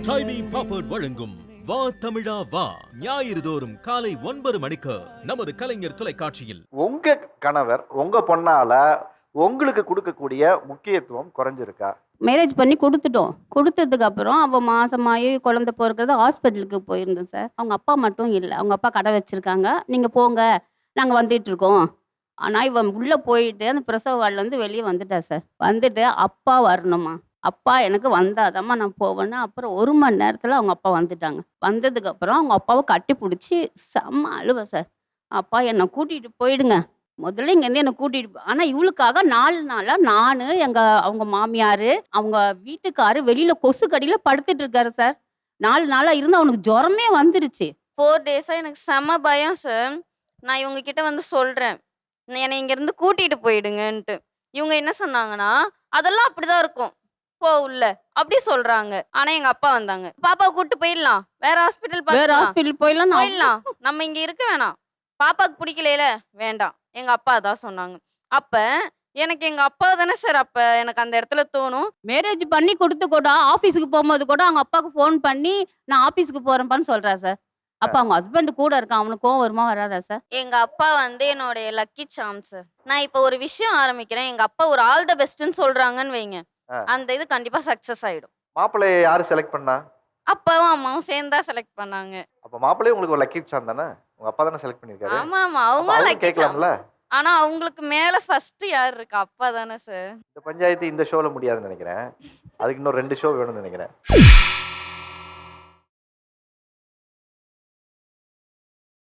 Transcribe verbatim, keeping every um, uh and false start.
ட்ரைபி பாப்பர்ட் வழங்கும் வா தமிழா வா ஞாயிறு தோறும் காலை ஒன்பது மணிக்கு நமது கலைஞர் தொலைக்காட்சியில். உங்க கணவர் உங்க பொண்ணால உங்களுக்கு கொடுக்கக்கூடிய முக்கியத்துவம் குறைஞ்சிருக்கா? மேரேஜ் பண்ணி கொடுத்துட்டோம். கொடுத்ததுக்கு அப்புறம் அவள் மாசமாகி குழந்தை பிறக்கிறது ஹாஸ்பிட்டலுக்கு போயிருந்தேன் சார். அவங்க அப்பா மட்டும் இல்லை, அவங்க அப்பா கடை வச்சுருக்காங்க. நீங்கள் போங்க, நாங்கள் வந்துட்டுருக்கோம். ஆனால் இவன் உள்ளே போயிட்டு அந்த பிரசவ வார்டுலேருந்து வெளியே வந்துட்டா சார். வந்துட்டு அப்பா வரணுமா, அப்பா எனக்கு வந்தாதாம்மா நான் போவேன்னு. அப்புறம் ஒரு மணி நேரத்தில் அவங்க அப்பா வந்துட்டாங்க. வந்ததுக்கப்புறம் அவங்க அப்பாவை கட்டி பிடிச்சி செம்ம அழுவ சார். அப்பா என்னை கூட்டிகிட்டு போயிடுங்க, முதல்ல இங்கேருந்து என்னை கூட்டிகிட்டு. ஆனால் இவளுக்காக நாலு நாளாக நான் எங்கள் அவங்க மாமியார் அவங்க வீட்டுக்காரு வெளியில் கொசு கடியில் படுத்துட்டு இருக்காரு சார். நாலு நாளாக இருந்து அவனுக்கு ஜுரமே வந்துருச்சு. ஃபோர் டேஸாக எனக்கு செம பயம் சார். நான் இவங்க கிட்ட வந்து சொல்கிறேன், என்னை இங்கேருந்து கூட்டிகிட்டு போயிடுங்கன்ட்டு. இவங்க என்ன சொன்னாங்கன்னா, அதெல்லாம் அப்படிதான் இருக்கும், போ உள்ள, அப்படி சொல்றாங்க. ஆனா எங்க அப்பா வந்தாங்க, பாப்பாவை கூட்டு போயிடலாம், வேற ஹாஸ்பிட்டல் வேற ஹாஸ்பிட்டல் போயிடலாம் நான் போயிடலாம், நம்ம இங்க இருக்க வேணாம், பாப்பாக்கு பிடிக்கல, வேண்டாம், எங்க அப்பா தான் சொன்னாங்க. அப்ப எனக்கு எங்க அப்பா தானே சார் அப்ப எனக்கு அந்த இடத்துல தோணும். மேரேஜ் பண்ணி கொடுத்து கூட ஆஃபீஸுக்கு போகும்போது கூட அவங்க அப்பாவுக்கு ஃபோன் பண்ணி நான் ஆஃபீஸுக்கு போகிறேன்ப்பான்னு சொல்கிறா சார். அப்போ அவங்க ஹஸ்பண்ட் கூட இருக்கான், அவனுக்கு கோவம் வருமா வராதா சார்? எங்க அப்பா வந்து என்னுடைய லக்கி சாம் சார். நான் இப்போ ஒரு விஷயம் ஆரம்பிக்கிறேன், எங்க அப்பா ஒரு ஆல் த பெஸ்ட்னு சொல்றாங்கன்னு வைங்க, அந்த இது கண்டிப்பா சக்சஸ் ஆயிடும். மாப்பிள்ளையை யாரு செலக்ட் பண்ணா? அப்பாவும் அம்மாவும் சேர்ந்தா செலக்ட் பண்ணாங்க. அப்ப மாப்பிள்ளையே உங்களுக்கு ஒரு லக்கி சாம் தானே, உங்க அப்பா தானே செலக்ட் பண்ணிருக்காரு. ஆமா ஆமா, அவங்க லக்கி கேட்கலாம்ல. ஆனா அவங்களுக்கு மேல ஃபர்ஸ்ட் யார் இருக்கா? அப்பா தானே சார். இந்த பஞ்சாயத்து இந்த ஷோல முடியாதுன்னு நினைக்கிறேன், அதுக்கு இன்னும் ரெண்டு ஷோ வேணும்னு நினைக்கிறேன்.